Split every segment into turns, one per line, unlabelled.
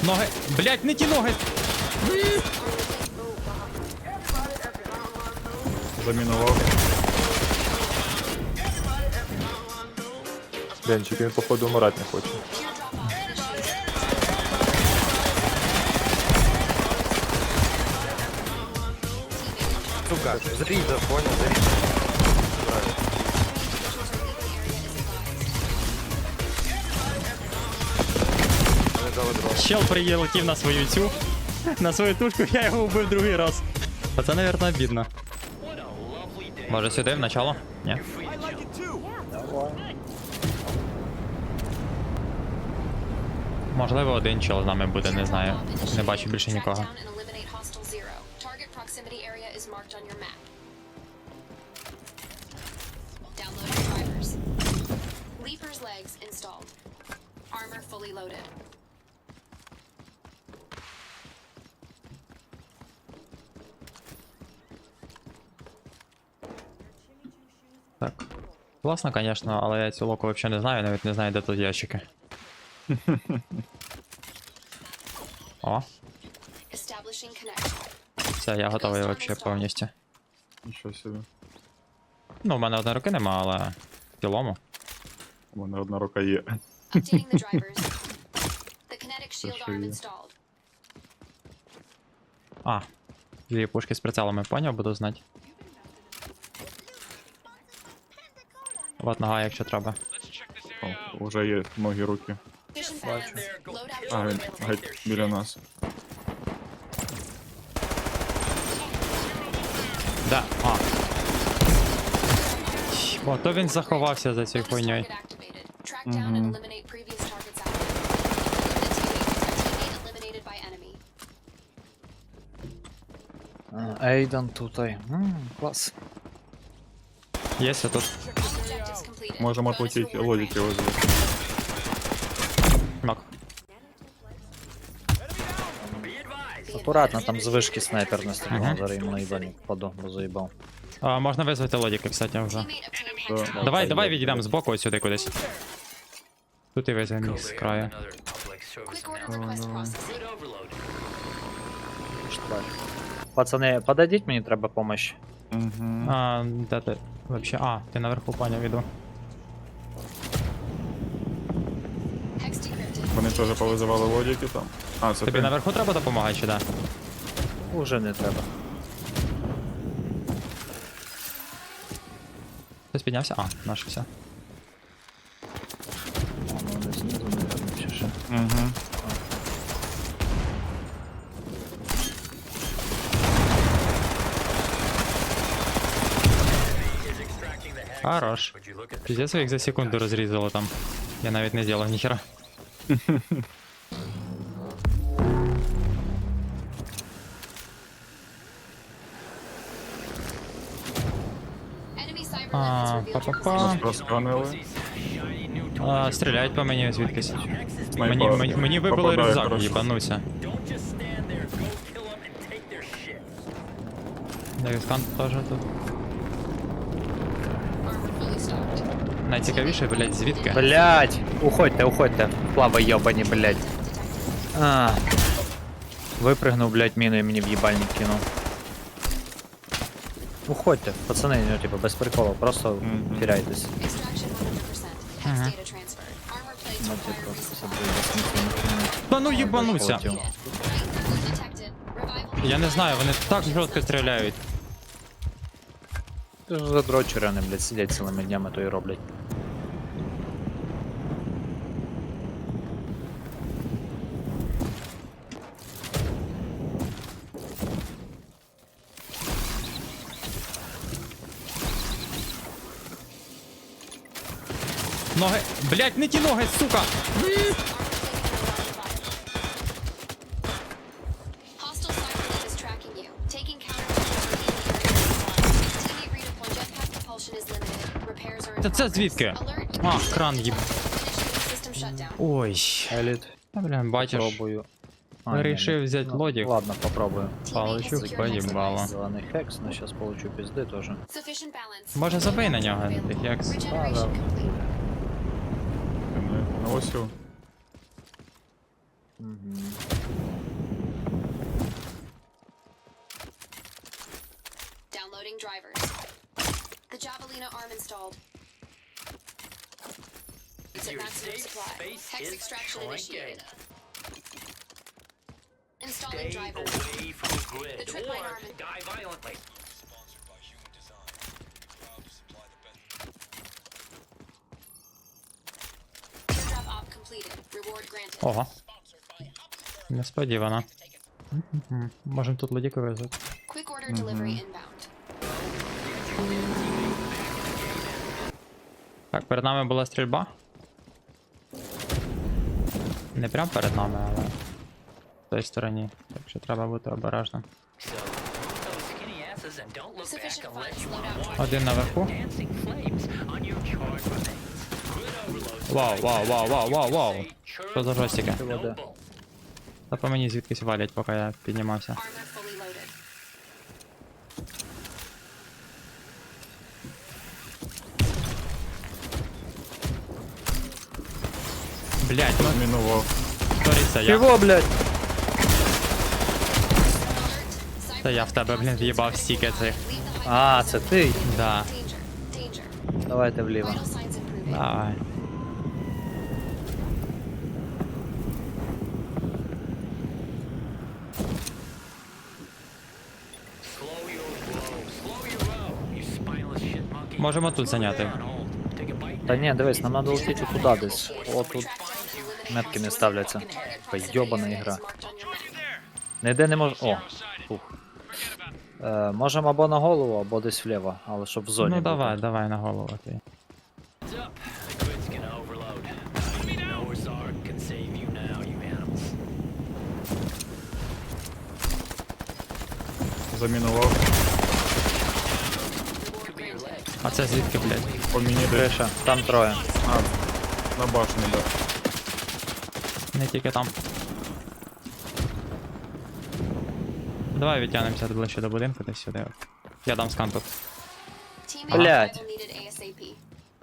Ноги. Блять, не ті ноги.
Замінував. Денчик, він походу умирати не хоче.
Сука, зрізав, понял, зарізав. Вони дали дрон.
Чел прилетів на свою цю. На свою тушку, я його вбив другий раз. Оце, наверное, обідно. Може сюди, в начало? Ні. Можливо, один чел з нами буде, не знаю. Не бачу більше нікого. Так. Класно, конечно, але я цю локу взагалі не знаю, навіть не знаю, де тут ящики. О. Все, я готовий вообще повністю.
Нічого собі.
Ну, в мене одної руки нема, але в цілому.
У мене одна рука є.
А, дві пушки з прицелами, поняв, буду знати. Вот нога, якщо треба.
О, уже є ноги руки.
Бачу.
А, він геть біля нас.
Да, а. О, то він заховався за цією хуйньою.
Ейдан тут. Клас.
Єся тут.
Можемо отлетіти, лодики возле.
Нок.
Акуратно, там з вишки снайпер не стріляв, зараз йому наїбальник впаду, бо заїбав.
А, можна визвати лодіки, кстати, вже. Давай відійдемо з боку ось сюди кудись. Тут і візьмемо їх з краю.
Пацани, подойдіть, мені треба помощь.
Угу.
А, де ти? Вообще, а, ти наверху, поняв, іду.
Вони теж повизивали лодики там. А, це
Тобі
ти?
наверху треба допомагати, чи да?
Уже не треба.
Хтось піднявся? А, наш все.
Вони знизу, наверно, чи що.
Угу.
Хорош. Пиздец, їх за секунду розрізало там. Я навіть не зробив ніхера. Па-па-па.
Нас просканили.
Стріляють по мені звідкись.
Снайпер
Мені вибило
попадає
рюкзак,
хорошо.
їбануся. Девіскан теж тут. Найцікавіше, блять, звідки?
Блять! Уходьте, плава йобані, блять. Випригнув, блять, міну і мені в їбальник кинув. Уходьте, пацани, ну типа без приколу, просто теряйтесь. Ну, типа, це буде безсмислено.
Та ну їбануся!
Полетів.
Я не знаю, вони так жорстко стріляють.
Це ж задрочери, вони, блять, сидять цілими днями, то і роблять.
Ноги. Блять, не ті ноги, сука! Та це звідки? А, кран їб. Ой.
Еліт,
Та, бля, бачиш.
пробую.
Вирішив
ні,
взяти
ну,
лодік.
Ладно, попробую.
Получу поїбало.
Зелений хекс, но сейчас получу пизди тоже.
Може забий на нього, тих як.
На осю.
Угу.
installed. It's at maximum supply. Hex extraction initiated. Installing driver. The trip mine arm. Teardrop op completed. Reward granted.
Ого. Несподівано. Можемо тут лодіку везути.
Quick order delivery inbound.
Так, перед нами була стрільба. Не прям перед нами, але в той стороні. Так що треба бути обережним.
Sufficient funds. Loadout.
Один наверху. Вау, вау, вау, вау, вау, вау. Що за жостики?
Води.
Та по мені звідкись валять, поки я піднімався.
Armor fully loaded.
Блять, ну
Мінував.
сторіться, я.
Чого, блядь?
Та я в тебе, блін, в'їбав стільки цих.
А, це ти?
Да.
Danger. Danger.
Давайте вліво.
Vital signs improving.
Давай. Можемо тут зайняти.
Та ні, дивись, нам треба летіти туди десь. О, тут метки не ставляться. Така йобана ігра. Ніде не мож... О, фух. Можемо або на голову, або десь вліво, але щоб в зоні
Ну
бути.
давай, давай на голову ти.
Замінував.
А це звідки, блядь?
По мені десь.
Криша, там троє.
А, на башні, да.
Не тільки там. Давай відтягнемося ближче до будинку, десь сюди. Я дам скан тут.
Teammate
Блядь.
survival needed ASAP.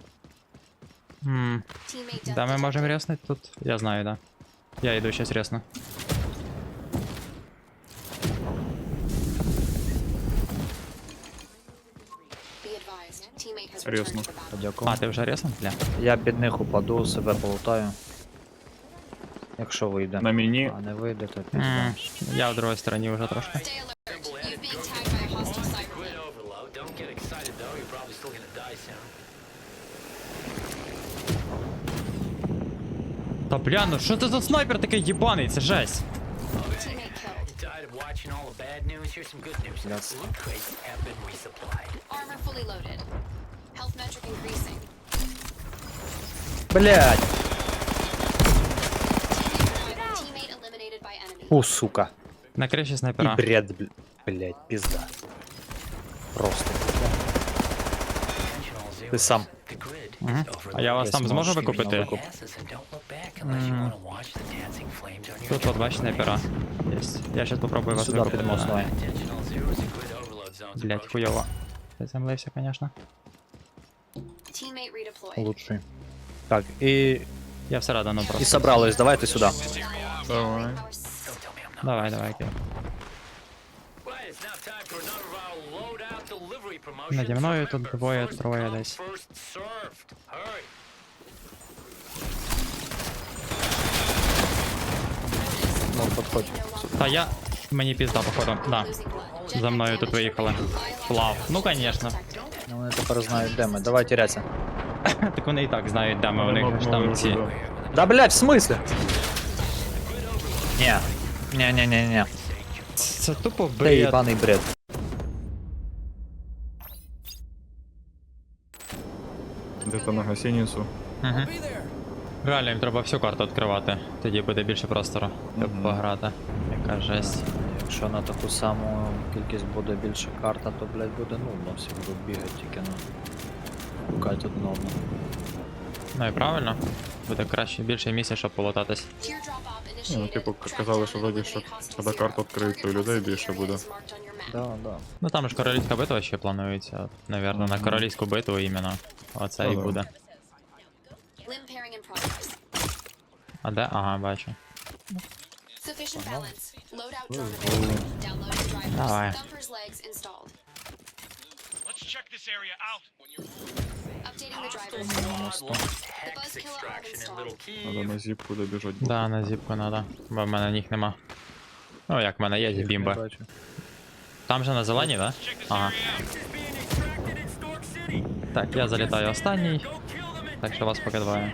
Ммм.
Teammate death
Да, ми можемо
detected.
ряснити тут. Я знаю, да. Я йду щас рясно.
Be advised. Teammate has
Серйозно.
returned to the battle.
Дякую.
А, ти вже рясно? Бля.
Я під них упаду, себе полутаю. Якщо вийде.
На мені.
А не вийде, то
Ммм.
пізда.
Я в другій стороні вже трошки.
Stay alert. You've been tagged by a hostile cyberlink.
Та бля, ну що це за снайпер такий їбаний? Це жесть.
Teammate killed.
Yes.
Armor fully loaded. Health metric increasing.
Блять!
Teammate eliminated by enemy.
Фу, сука.
На криші
І
снайпера.
бред, блять, пізда. Просто. Ти сам.
Угу. А я вас
Десь
там зможу
можеш
викупити?
іменно
Тут от бачиш снайпера. Єсть. Я щас попробую вас
Сюди
викупити.
підемо давай.
Блять, хуйово. Заземлився, конечно.
Teammate redeployed.
Лучший. Так, і
Я всередину просто.
собрались, давайте сюди.
Давай.
Давай, давай, окей. Наді мною тут двоє, троє десь.
Ну, підходь.
Та я... Мені пізда, походу. Да. За мною тут виїхали. Плав. Ну, конечно.
Ну, вони тепер знають, де ми. Давай тіряться.
Так вони і так знають, де ми. У них ж там ці...
Да, блять, в смысле? Ні. Ні.
Це тупо
Це
бред.
їбаний бред.
Де-то на гостиницю.
Угу. Реально, їм треба всю карту відкривати. Тоді буде більше простору, щоб
Мгм.
пограти. Яка жесть.
Якщо на таку саму кількість буде більше карта, то, блять, буде нудно. Всі будуть бігати тільки на... Шукати одне одного.
Ну і правильно. Буде краще, більше місця, щоб полотатись.
Teardrop op
Ну,
initiated.
типу, казали, що вроді, що коли карта відкриється, у людей більше буде.
Да.
Ну там ж королівська битва ще планується. Навірно, на королівську битву іменно. Оце і
Ага.
буде.
Limb pairing in progress.
А де? Ага, бачу.
Sufficient balance. Loadout drone available. Downloading drivers.
Давай.
Thumper's legs installed.
Let's check this area out.
Updating the drivers.
На мосту.
The buzz killer arm installed.
Надо на зіпку добіжать.
Да, на зіпку надо, бо в мене ніг нема. Ну як в мене є
Не
бімби.
бачу.
Там же на зеленій, да? Ага. Так, я залітаю останній. Так що вас поки двоє.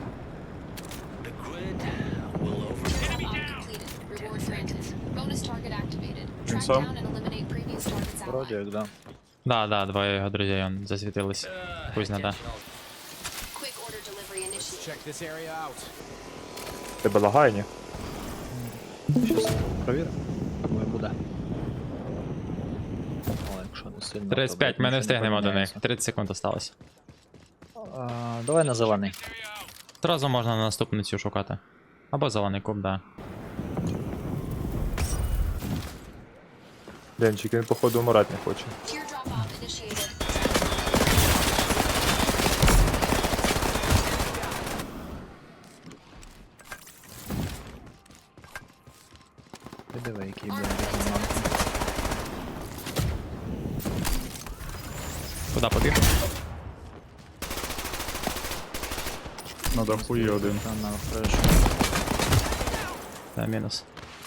Completed. Reward granted. Bonus target activated. Track
сам?
down and eliminate previous targets
Вроді
allied.
як, да.
Да, двоє його друзей он засвітились. Пусть надо.
Quick order delivery initiated.
Тебе лагає, ні?
Щас провіримо. Думаю, буде. О, якщо не сильно. то,
35,
блядь,
ми не
нічого
встигнемо до них.
поміняється.
30 секунд осталось.
Давай на зелений.
Одразу можна на наступну цю шукати. Або зелений куб, да.
Денчик, він походу умирати не хоче.
Teardrop off initiated.
Ти диви, який
Armor
буде.
plates
Куди побіг?
На даху є один.
Там на фрешу.
Та мінус.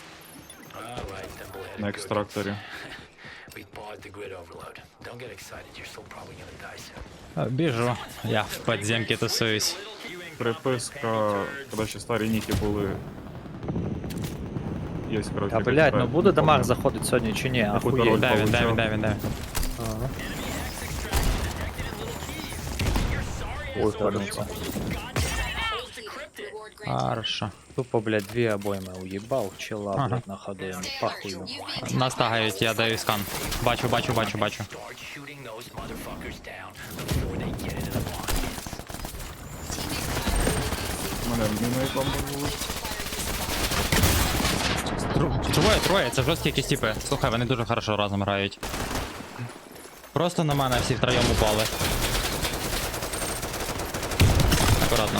На екстракторі.
We bought the grid overload. Don't get excited, you're still probably gonna die soon.
Біжу. Я в підземці тусуюсь.
Приписка, коли ще старі ніки були. Є, коротше.
А блять, ну буде дамаг заходить сьогодні чи ні?
Яку-то
Ахуєть.
роль
Де він, де він,
получав.
де він, де він?
Ага.
Ой,
Вернувся.
completed. Reward granted.
Хорошо.
Тупо, блядь, дві обойми уїбав, чела,
Ага.
блядь, на ходу, йому пахую.
You've been
Нас тагають, я даю скан. Бачу.
Start shooting those motherfuckers down before they get into the line.
Мене міною бомбанули.
Троє, це жорсткі якісь типи. Слухай, вони дуже хорошо разом грають. Просто на мене всі втроєм упали. Акуратно.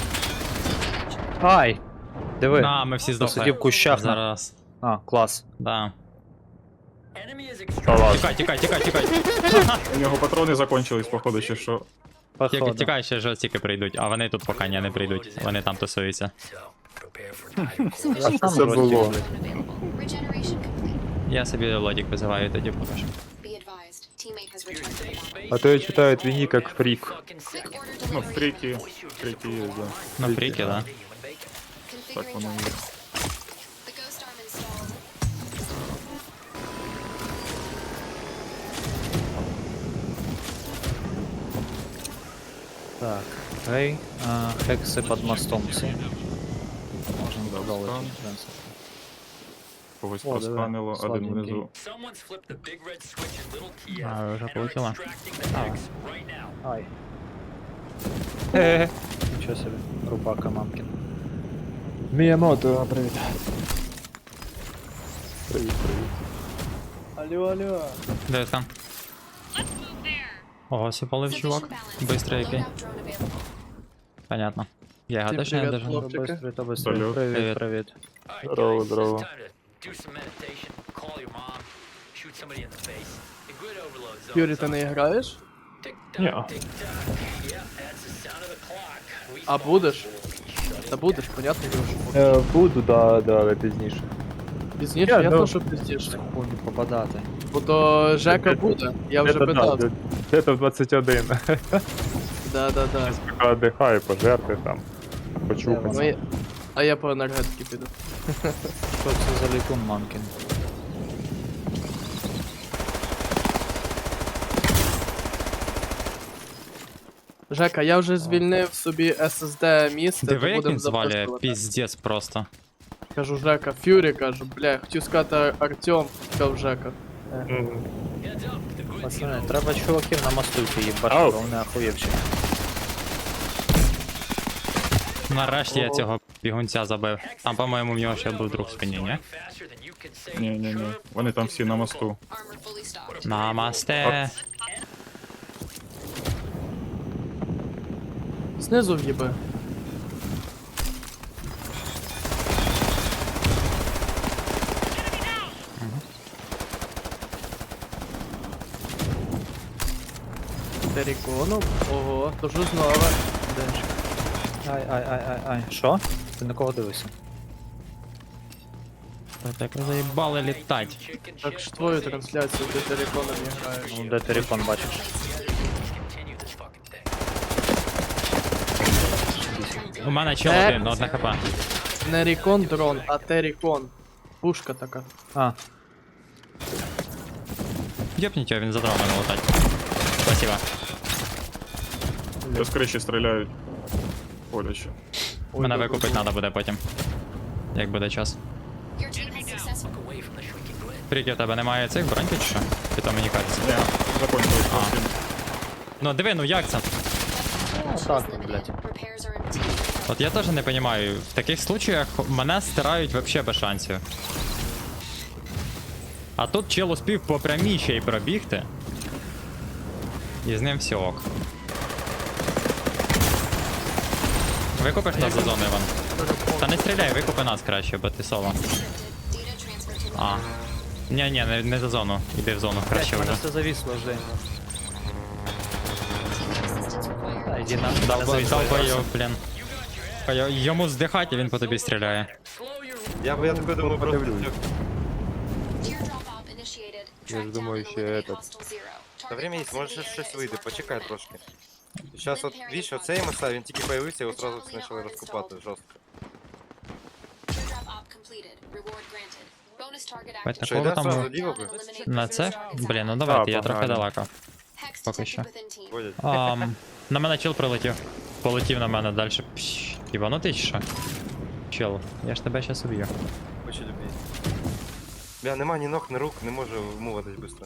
Ай! Диви.
На, ми всі здохли.
Посидів в кущах.
Зараз.
А, клас.
Да.
Та ладно.
Тікай.
У нього патрони закончились, походу, чи що.
Походу.
Тікай, ще жорсткі прийдуть, а вони тут поки не прийдуть. Вони там тусуються.
So, prepare for dire
А там
Це
розділ,
було.
блядь.
unavailable. Regeneration complete.
Я собі лодік визиваю, тоді покажу.
Be advised. Teammate has returned to the battle.
А то я читаю твій нік як фрік.
Quick order
Ну,
delivery.
фріки є, да.
Ну, фріки, да.
Так
Configuring
воно є.
drivers. The ghost arm installed.
Так, гей, хекси під мостом всі. Можемо
Да,
додати,
стан.
в принципі.
Когось
О, диви,
просканило, один
сладенький.
внизу.
Someone's flipped the big red switch in Little Kiev
А, вже
and are
полетіло.
extracting the mix right now.
Ай. Нічого собі, рубака мамкін.
Міямото, привіт. Привіт.
Де скан? Ого, сіпалив чувак. Бистрий який.
Loadout drone available.
Понятно. Я його точно не держу.
Бистрий, то бистрий.
Салют.
Привіт,
Привіт.
привіт.
All right,
Здорово,
guys,
здорово.
it's time to do some meditation, call your mom, shoot somebody in the face. The grid overload zone.
Юрій, ти не граєш?
Ні.
Tick-tock, tick-tock. Yeah, that's the sound of the clock. We
А будеш? Та будеш, понятно, Юрій, що будеш.
Буду, да, але пізніше.
Пізніше,
Я,
я
ну,
теж пізніше.
Хуйню попадати.
Бо то Жека буде, я вже питав.
Це в 21.
Да.
Поки дихаю, пожерти там. Почухати.
Ну, а я по енергетики піду.
Що це за лікун мамкін?
Жека, я вже звільнив собі SSD місце,
Диви,
то
як
будемо
він звалює,
записувати.
піздець просто.
Кажу Жека, Фюрі кажу, бля, хотів сказати Артем, сказав Жека.
Пацани, треба чуваків на мосту йти їбати,
Ау.
бо вони ахуєвші.
Нарешті я цього бігунця забив. Там, по-моєму, в нього ще був друг в спині, ні?
faster than you can say.
Ні. Вони там всі на мосту.
Armor fully stocked.
Намасте.
Знизу в'їби. Терриконом. Ого, то що знову. Денчик.
Ай. Що? Ти на кого дивишся?
Так ви заїбали літать.
Chicken
Так
shit.
ж твою трансляцію, де Терриконом не граєш.
Ну, де телефон бачиш?
Continue this fucking thing.
У мене чел один, одне хп.
Не Рікон дрон, а Террикон. Пушка така.
А,
Йопніть його, він за дроном летать. Спасибо.
Я з криші стріляють. Боляче.
Мене викупити треба буде потім. Як буде час.
Your team has successfully
Away from the shrinking grid.
Прикид, у тебе немає цих броньки чи що? Чи то мені кажеться?
Закончилось.
Ну диви, ну як це?
так,
limited.
блядь.
Repairs are empty.
От я теж не розумію, в таких случаях мене стирають вообще без шансів. А тут чел успів по прямій ще й пробігти. І з ним все ок. Викупиш нас за зону, Іван? Та не стріляй, викупи нас краще, бо ти соло.
Data transfer to
А. Ні, не за зону. Іди в зону краще
блядь,
вже.
мене все завісло, Жень.
assistance required.
Та йди на.
Долбойов, блін. Йому здихати, він по тобі стріляє.
Я такой думаю, просто...
Teardrop op initiated.
Я
Track
ж
down
думаю,
and
ще
eliminate
этот.
hostile zero.
Та
Target
время є,
proximity
може щось вийде,
access
почекай
denied.
трошки. Зараз от, більше оцей маса, він тільки появився, його одразу почали розкупати жорстко.
Teardrop op completed. Reward granted. Bonus target
Бать,
active.
Що,
такого
йде
там
зразу ліво би?
Eliminate
на
prisoners
це?
targets
Блін, ну
active.
давайте, я
погнали.
трохи далеко.
Hex
поки
detected
що.
within team.
Ходять.
На мене чел прилетів. Полетів на мене далі. Іванутий чи що? Чел, я ж тебе щас уб'ю.
Хочу любити. Бля, нема ні ног, ні рук, не можу вмовитись швидко.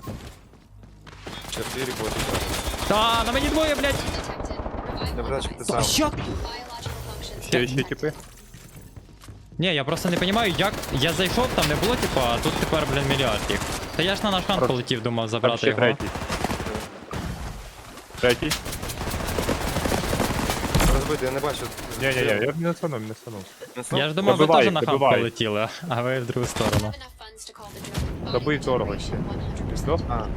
4 боти.
Та, на мені двоє, блядь!
Detected.
Я
Revival
бачу, ти
device.
сам.
Що?
Biological functions.
Ще типи.
Ні, я просто не розумію, як. Я зайшов, там не було, типу, а тут тепер, блін, мільярд їх. Та я ж на наш ранг
Просто-
полетів, думав
Там
забрати
ще
його.
третій. Третій?
Розбитий, я не бачу.
Я не стану.
Я ж думав, ви
Добивай,
теж на хам
добивай.
полетіли, а ви в другу сторону.
Enough funds to call the drone.
Добий
Body
дорого
integration
ще.
100%.
Здох?
А,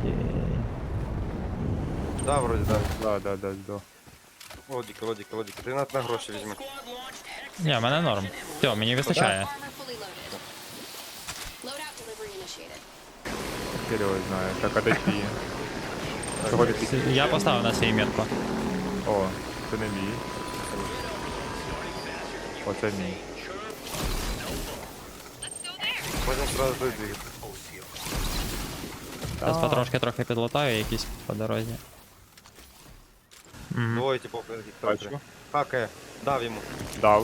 да, вроді, да.
Да.
Лодіка. Ти на гроші візьми.
Ні, в мене норм. Все, мені вистачає.
Armor fully loaded. Loadout delivery initiated.
Хер його знає. Так, а де ті? Чого ти під...
Я поставив на свій метку.
О, це не мій. Оце мій.
Можемо сразу двигати.
Зараз потрошки трохи підлатаю якісь по дорозі. Мгм.
Двоє типу,
Бачу.
хакає, дав йому.
Дав.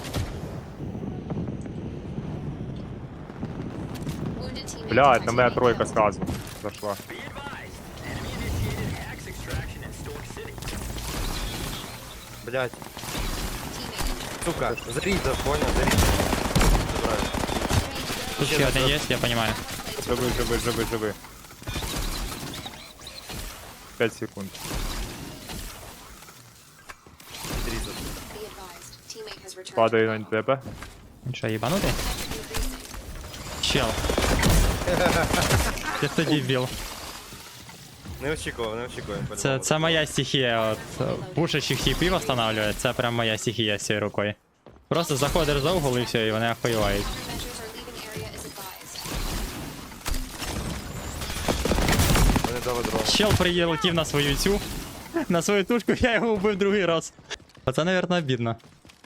Wounded teammate
Блядь, на мене
detected.
тройка сразу зашла.
Блять,
Teammate.
сука, зарізав, понял, зарізав. Забираю.
Тут ще один є, я розумію.
Живи. 5 секунд.
Відрізав.
Be advised. Teammate has returned.
Падаю на тебе.
Він що, їбанутий?
Increasing.
Чел. Ти тоді біл.
Не очікував.
Це моя стихія, от пушащих типів встановлює, це прям моя стихія з цією рукою. Просто заходиш за угол і все, і вони охуєвають.
Countermeasures are leaving area as advised.
Вони дали дрон.
Чел прилетів на свою цю, на свою тушку, я його вбив другий раз. Оце, навірно, обідно.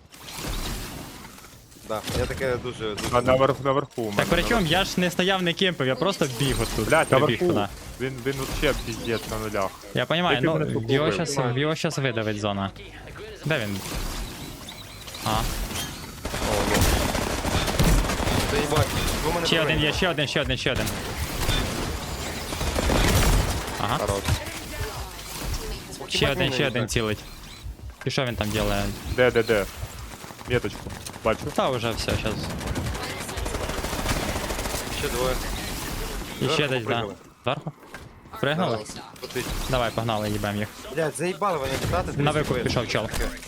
Да, я таке дуже.
А наверху у
Так
мене.
причому я ж не стояв, не кемпив, я просто біг отут.
Блядь,
прибіг
наверху.
туди.
Він вообще піздець на нулях.
Я розумію,
Який мене
ну
слуховий.
його щас видавить зона. Де він? А,
Та їбать, ви мене
ще один
провели.
є, ще один. Ага,
Хорош.
ще один цілить. І що він там робить?
Де? Меточку. Бачу.
Та вже все, зараз.
Ще двоє.
І ще
Зверху
десь, да.
попригали.
Зверху? Пригнали?
Летить.
Давай, погнали, їбем їх.
Блядь, заїбали вони літати.
На викуп пішов чел.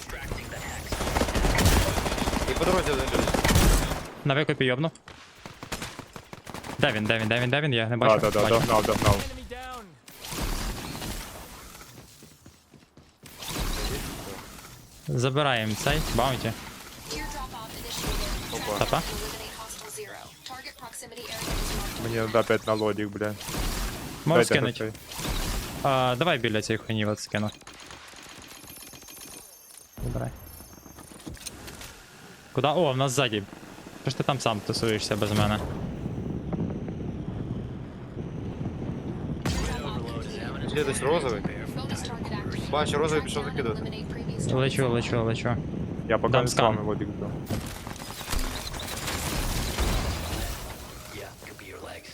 І по дорозі один люди.
На викупі йобну. Де він? Я не бачу.
Да,
Бачу.
догнав.
Забираємо цей баунті.
Teardrop off initiated.
Опа.
Тапа.
Eliminate hostile zero. Target proximity area is marked.
Мені треба опять на лодік, бля.
Можеш
Дайте
скинути.
цей.
Давай біля цієї хуйні от скину. Забирай. Куда? О, в нас ззаді. Що ж ти там сам тусуєшся без мене?
Є десь розовий.
Bonus target activated.
Бачу, розовий пішов закидувати.
Eliminate previous
Лечу.
Я поки
Дам
не з
скан.
вами лодік дам.
Yeah, could be your legs.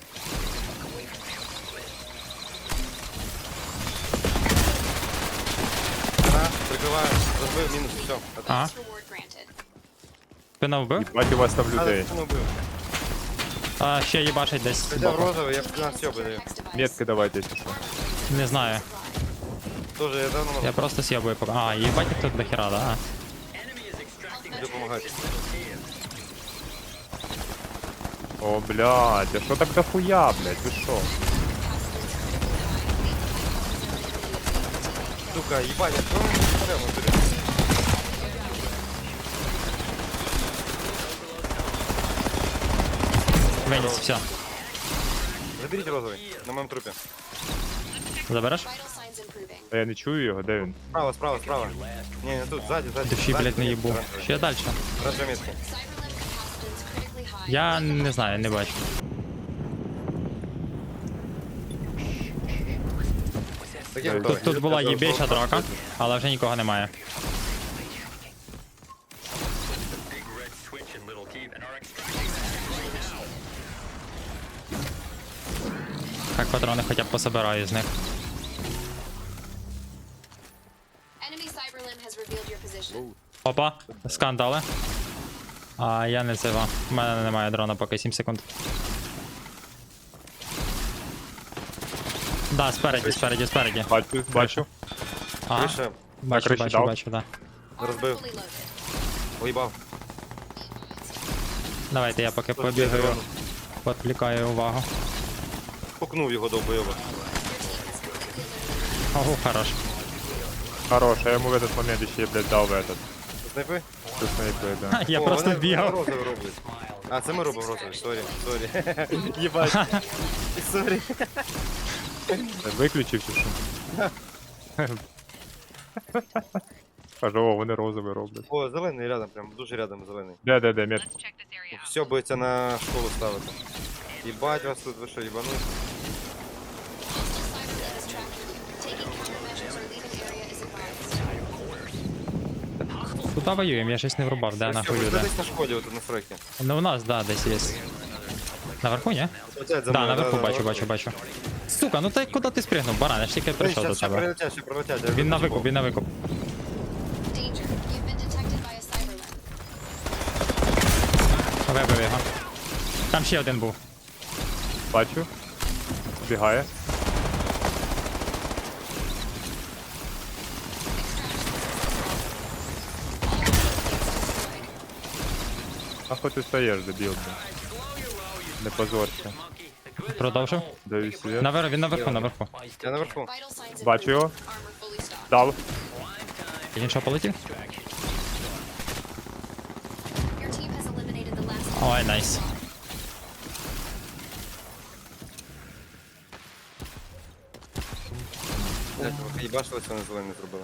Ага, прикриваю. Розбив, мінус, все.
Ага.
bonus reward granted.
Спина вбив?
Бать, у вас там людей.
Не вбив.
Ще їбашить десь.
Взяв
збоку.
розовий, я б нас сьобаю.
Next device.
Метки давайте, якщо що.
Не знаю.
Тоже я давно
Я просто с'єбую поки. Їбать їх тут до хера, да?
можу допомагати.
О, блядь, а що так дохуя, блядь, ви що?
Сука, їбать, а що ми прямо беремо?
Веніс, все.
Заберіть розовий, на моєму трупі.
Забереш?
Vital signs improving.
А я не чую його, де він?
Справа, справа, справа. Ні, не тут, ззаді, ззаді.
Душі, блядь, не їбу. Ще далі.
Хороша метка.
Cyberlimb capacitance critically high.
Я не знаю, не бачу.
Таке
Тут-
готове.
Тут була їбейша драка, але вже нікого немає.
Big red switch and little teeth and are extracting
Так патрони хоча б пособираю з них.
Enemy cyberlimb has revealed your position.
Опа, скандали. Я не цива. У мене немає дрона поки 7 секунд. Да, спереді.
Бачу.
Ага,
Вище,
бачу,
криші
бачу,
дав.
бачу, да.
Armor
Розбив.
fully loaded.
уїбав.
Давайте я поки побігаю, відвлікаю увагу.
Пукнув його довбойоба.
Ого, хорош.
Хорош, а я йому в этот момент ще, блядь, дав в этот.
Снайпи?
Це снайпер, да.
Я
О,
просто
вони
бігав.
розовий роблять. А, це ми робимо розовий, сорі. Єбать. Сорі.
Виключив чи що? Кажу, о, вони розовий роблять.
О, зелений рядом, прям дуже рядом зелений.
Де, метка.
Все будете на школу ставити. Єбать вас тут, ви що, їбануть?
Куда воюємо? Я щось не врубав, де нахуй
Ви
люди.
десь на школі, отут на сроки.
Ну у нас, да, десь є. Наверху, ні?
Летять за
Да,
мною,
наверху
да,
бачу. Сука, ну ти куди ти спригнув, баран, я ж тільки прийшов до
Ще
тебе.
прилетять, ще прилетять. я
Він на
вичіпав.
викуп.
Danger. You've been detected by a cyberlimb.
Вибив його. Там ще один був.
Бачу. Бігає. А хоч ти стоїш, дебіл, блядь. Не позорся.
Продовжив.
Даю світ.
Він наверху.
Я наверху.
Vital signs
Бачу його.
improving. Armor fully stocked.
Дав.
Він що полетів?
Your team has eliminated the last.
Ой, найс.
Блять, ви їбашились, вони зелений зробили.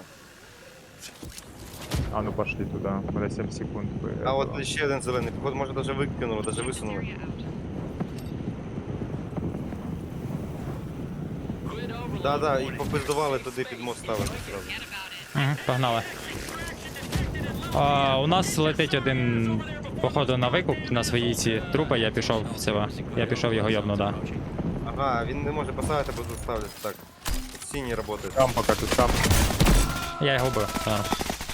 А ну пошли туди. У мене 7 секунд.
А от ще один зелений, походу, може даже викинули, даже висунули. Да, і попиздували туди під мост ставити зразу.
Угу, погнали. У нас летить один, походу, на викуп на своїй ці трупи, я пішов в цього. Я пішов його йобну, да.
Ага, він не може поставити, бо тут ставлять так. Синій працює.
Там поки ти сам.
Я його вбив. Да.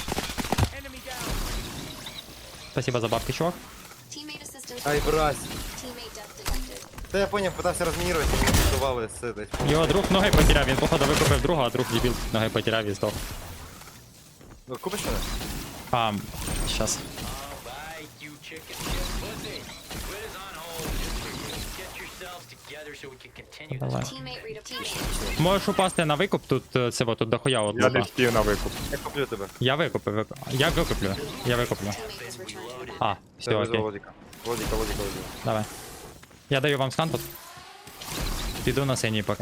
Спасибо за бабки, чувак.
Teammate assistance.
Ай, брась.
Teammate death detected.
Та я поняв, питався розмінірувати, мені пиздували з этой.
Його друг ноги потеряв, він походу викупив друга, а друг дебіл ноги потеряв і здох.
Ви купиш мене?
Щас.
Alright, you chicken shit pussy. Quit is on hold just for you. Get yourselves together. together so we can continue this.
Давай.
Teammate redeployed.
Можеш упасти на викуп, тут це вот, тут дохуя от
Я не
лупа.
встиг на викуп.
Я куплю тебе.
Я викуплю. Я викуплю. Я викуплю.
Teammate has returned.
А,
Все,
все,
везу
окей.
Владіка. Владіка.
Давай. Я даю вам скан тут. Піду на синій поки.
Enemy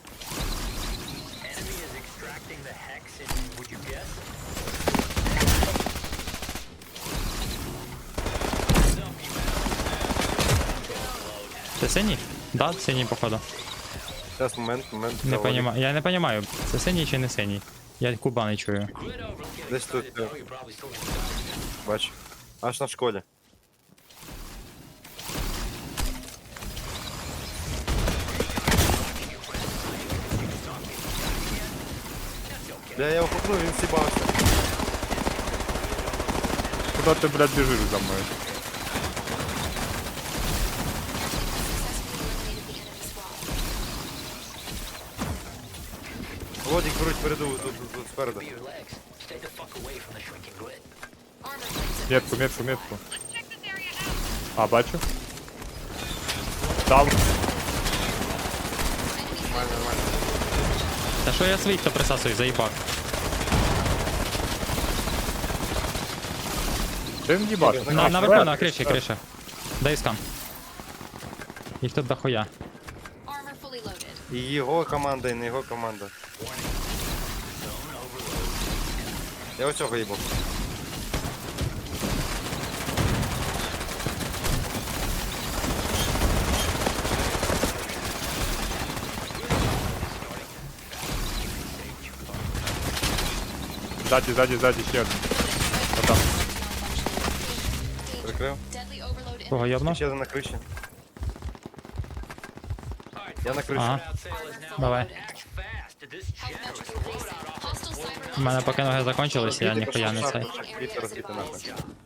is extracting the hex in, would you guess?
Це синій? Да, синій походу.
Зараз момент.
Не
Владік.
понімаю. Я не понімаю, це синій чи не синій. Я куба не чую.
Десь тут,
Oh, you're probably still gonna die.
бач. Аж на школі. Бля, я його хукнув, він сібався.
Куди ти, блядь, біжиш за мною?
Владік беруть переду, тут спереду.
Your legs. Stay the fuck away from the shrinking grid.
Armor plates are
Метку. А, бачу. Дав.
Та що я своїх то присасую, заїбав.
Ти не їбаш.
Наверху, на криші, криша. Дай скан. Їх тут дохуя.
Armor fully loaded.
І його команда, і не його команда. Я оцього їбав.
Ззаді, ще один. Отам.
Прикрив.
Deadly overload
Кого йобно?
Ще один на криші. Я на криші.
Ага. Давай.
Act fast. This
health metrics increasing. Hostile cyber
У мене поки ноги закончились, я ніхуя не цей.
Вітер розбити нахуй.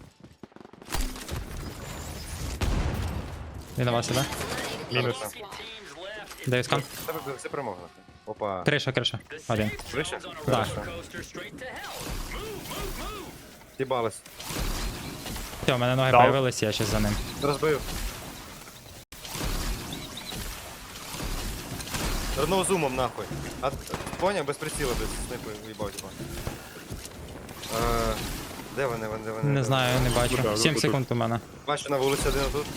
Він у вас іде?
Мінус.
Даю скан.
Це все перемога. нахуй. Опа.
Криша. Один.
Криша?
Да.
coaster straight to hell.
Сібались.
Все, у мене ноги
Дав.
появились, я щас за ним.
Розбив. Одного зумом нахуй. А, поняв? Без приціла, без снайпи в'їбав, типа. Де вони?
Не знаю, не бачу.
Куда?
7
Тут.
секунд у мене.
Бачу на вулиці один отут.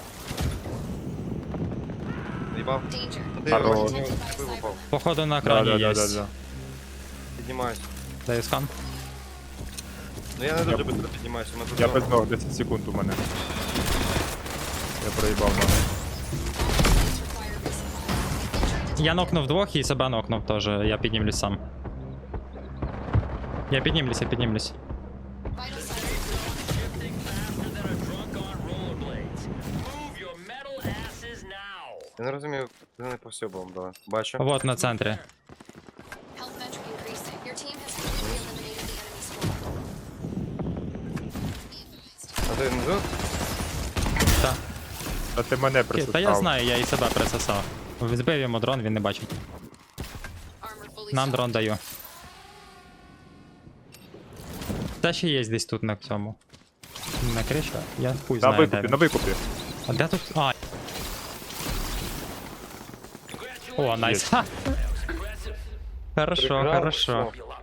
В'їбав.
danger.
Хорош.
Пиво впав.
Походу на екрані є.
Да.
Піднімаюсь.
Даю скан.
Ну я не дуже швидко піднімаюся, у мене тут
Я
зона.
без ног, 10 секунд у мене. Я проїбав ноги.
Я нокнув двох і себе нокнув теж. Я піднімлюсь сам. Я піднімлюсь.
Vital signs.
Faster than a drunk on rollerblades. Move your metal asses now.
Я не розумію, ти не по всьому дала. Бачу.
Вот на центрі.
Health metric increasing. Your team has completely eliminated the enemy squad.
А ти не тут?
Та.
А ти мене
Та
присутав.
я знаю, я і себе присосав. Збив йому дрон, він не бачить.
Armor fully
Нам
stocked.
дрон даю. Та ще є десь тут на цьому. На криші? Я хуй
На
знаю, де
викупі,
він.
на викупі.
А де тут? А. О, найс. Ха. Хорошо,
Прикрав,
хорошо.
все.